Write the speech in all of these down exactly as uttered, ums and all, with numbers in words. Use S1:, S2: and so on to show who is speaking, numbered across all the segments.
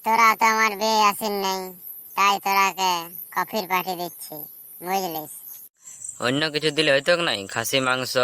S1: তোরা তো আমার বিয়ে আসেন নাই, তাই তোরাকে কফির পার্টি দিচ্ছি, বুঝলিস?
S2: অন্য কিছু দিলে হইতো নাই, খাসি মাংস।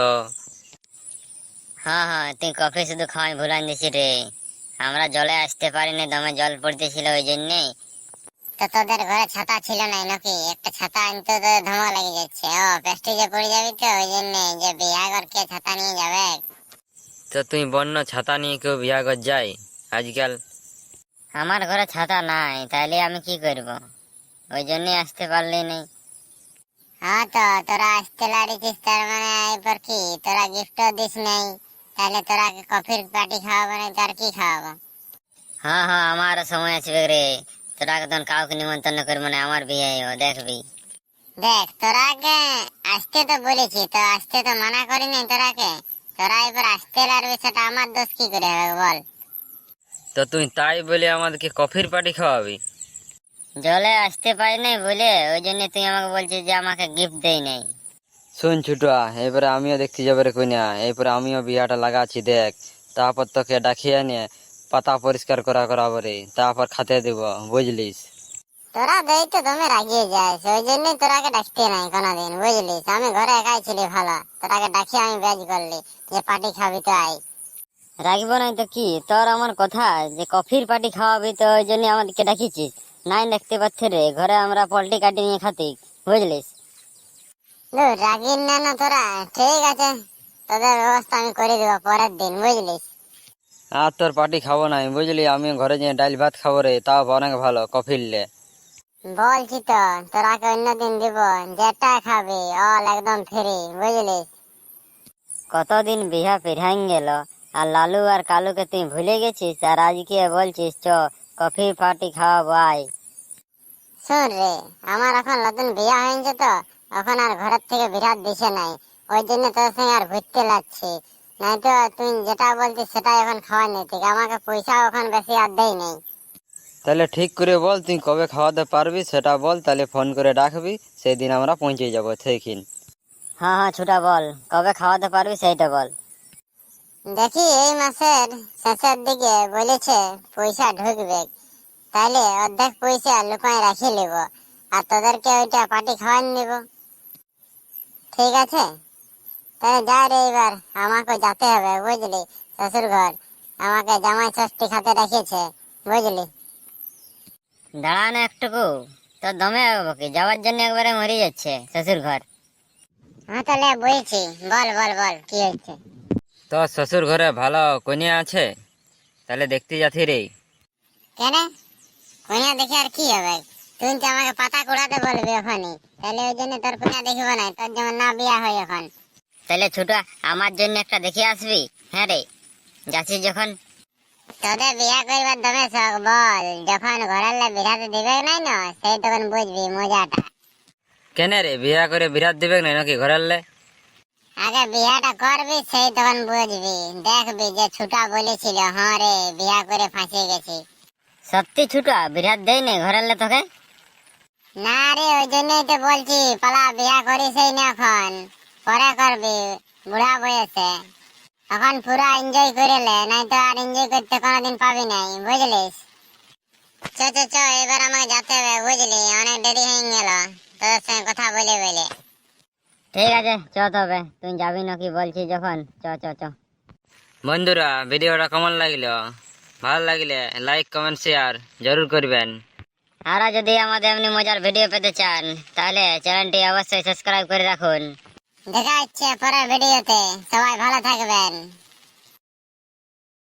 S3: হ্যাঁ হ্যাঁ, তুই কফি শুধু খাওয়াই ভুলান দিছি রে। আমরা জলে আসতে পারিনি, দমে জল পড়তেছিল ওই জন্যে।
S1: তো তোদের ঘরে ছাতা ছিল না নাকি? একটা ছাতা আনতে তো ধমা লেগে যাচ্ছে। ও প্রেস্টিজে পড়ে যাবি তো, ওই জন্য যে বিয়া করকে ছাতা নিয়ে যাবে।
S2: তো তুই বন্য ছাতা নিয়ে কেউ বিয়া কর যায় আজকাল?
S3: আমার ঘরে ছাতা নাই, তাইলে আমি কি করব? ওই জন্যই আসতে পারলি নি।
S1: হ্যাঁ, তো তোরা আসতে লাড়িছিস, তার মানে এরপর কি তোরা গিফটও দিস নাই? তাহলে তোরা কফির পার্টি খাওয়াবো না, তার কি খাওয়াবো?
S3: হ্যাঁ হ্যাঁ, আমার সময় আসবে রে। তোরা তখন কাউকে নিমন্ত্রণ করবো না, আমার বিয়ে দেখবি।
S1: দেখ, তোরাকে আসতে তো বলেছি, তো আসতে তো মানা করি নাই তোরাকে। তোরা এবার আসতে লাড়বি, সেটা আমার দোষ কি করে হবে বল?
S2: তো তুই তাই বলে আমাদেরকে কফির পার্টি খাওয়াবি?
S3: জলে আসতে পারি নাই বলে ওই জন্য তুই আমাকে বলছিস যে আমাকে গিফট দেই নাই।
S2: শুন ছুটা, এবারে আমিও দেখতে যাবে রে কইনা, এরপরে আমিও বিয়াটা লাগাচ্ছি দেখ। তারপর তোকে ডাকিয়ে নিয়ে পাতা পরিষ্কার করা করাবো রে, তারপর খাতে দিব, বুঝলিস?
S1: তোরা দেই তো দমে রাগিয়ে যাস, ওই জন্যই তোরাকে ডাকতে নাই কোনোদিন, বুঝলিস? আমি ঘরে একাই ছিলি ভালো, তোরাকে ডাকি আমি বেজ করলি যে পার্টি খাবি তো আই।
S3: রাখবো নাই তো কি, তোর আমার কথা যে কফির পার্টি খাওয়াবি, তো ওই জন্য আমাদেরকে ডাকিছিস। নাই দেখতে পাচ্ছি রে, ঘরে আমরা পল্টি কাটি নিয়ে খাতি, বুঝলিস?
S1: দূর রাগিন না না তোরা, ঠিক আছে, তোদের ব্যবস্থা আমি করে দিব পরের দিন, বুঝলিস?
S2: আর তোর পার্টি খাবো নাই, বুঝলি? আমি ঘরে যেয়ে ডাল ভাত খাবো রে, তাও অনেক ভালো কফিরলে।
S1: বলছি তো তোরাকে অন্যদিন দিব, যেটা খাবি অল একদম ফ্রি, বুঝলিস?
S3: কতদিন বিহা পেরাই গেল, আর লালু আর কালুকে তুই ভুলে গেছিস, আর আজকে বলছিস চ কফি পার্টি খাওয়াবো আয়।
S1: শোন রে, আমার এখন নতুন বিয়া হয়েছে তো, এখন আর ঘরের থেকে বিরাট দিছে নাই, ওই জন্য তোর সঙ্গে আর ঘুরতে লাগছি। নাই তো তুই যেটা বলছিস সেটাই এখন খাওয়া নেই, ঠিক? আমাকে পয়সা এখন বেশি আর দেই নেই।
S2: তাহলে ঠিক করে বল তুই কবে খাওয়াতে পারবি, সেটা বল, তাহলে ফোন করে ডাকবি, সেই দিন আমরা পৌঁছে যাবো সেইখিন।
S3: হ্যাঁ হ্যাঁ ছুটা, বল কবে খাওয়াতে পারবি সেইটা বল।
S1: দেখি এই মাসের শেষের দিকে বলেছে পয়সা ঢুকবে, তাইলে অর্ধেক পয়সা লুকায় রাখি নিব, আর তোদেরকে ওইটা পার্টি খাওয়ান দিব, ঠিক আছে? তাহলে যা রে, এবার আমাকে যেতে হবে, বুঝলি? শ্বশুর ঘর আমাকে জামাই ষষ্ঠী খাতে রেখেছে, বুঝলি?
S3: দাঁড়ান একটুকু, তোর দমে যাবো কি, যাওয়ার জন্য একবারে মরে যাচ্ছে শ্বশুর ঘর।
S1: হ্যাঁ, তাহলে বলছি, বল বল বল কি হচ্ছে?
S2: তো শ্বশুর ঘরে ভালো কন্যা আছে, তাহলে দেখতে যাচ্ছি রে।
S1: কেন কইয়া দেখে আর কি হবে? তুই তো আমাকে পাতা কুড়াতে বলবি ওখানে, তাহলে ওই জন্য তোর কইয়া দেখিব না, তোর যেমন না বিয়া হয় এখন।
S3: তাহলে ছুটা আমার জন্য একটা দেখে আসবি। হ্যাঁ রে, যাচ্ছিস যখন।
S1: তোদের বিয়া করবার দমে শখ, বল যখন ঘরের লে বিরাতে দিবে নাই না, সেই তখন বুঝবি মজাটা।
S2: কেন রে, বিয়া করে বিরাট দিবে না নাকি ঘরের লে?
S1: আগে বিয়াটা করবি, সেই তখন বুঝবি, দেখবি যে ছুটা বলেছিল হ্যাঁ রে বিয়া করে ফাঁসিয়ে গেছি।
S3: সত্যি ছুটা বিরাট দেয় নেই ঘরের লে তোকে?
S1: না রে, ওই জন্যই তো বলছি পালা বিয়া করিসই না এখন, পরে করবি বুড়া বয়সে। এখন পুরা এনজয় করে লে, নাই তো আর এনজয় করতে কোনোদিন পাবি নাই, বুঝলিস? চ চ চ, এবার আমাকে যেতে হবে, বুঝলি? অনেক দেরি হয়ে গেল তোদের সঙ্গে কথা বলে বলে।
S3: ঠিক আছে চ, তবে তুই যাবি নাকি বলছিস যখন, চ চ চ।
S2: বন্ধুরা, ভিডিওটা কেমন লাগলো? ভালো লাগলে লাইক কমেন্ট শেয়ার জরুর করবেন।
S3: আর যদি আমাদের এমনি মজার ভিডিও পেতে চান, তাহলে চ্যানেলটি অবশ্যই সাবস্ক্রাইব করে রাখুন।
S1: দেখা হচ্ছে পরের ভিডিওতে, সবাই ভালো থাকবেন।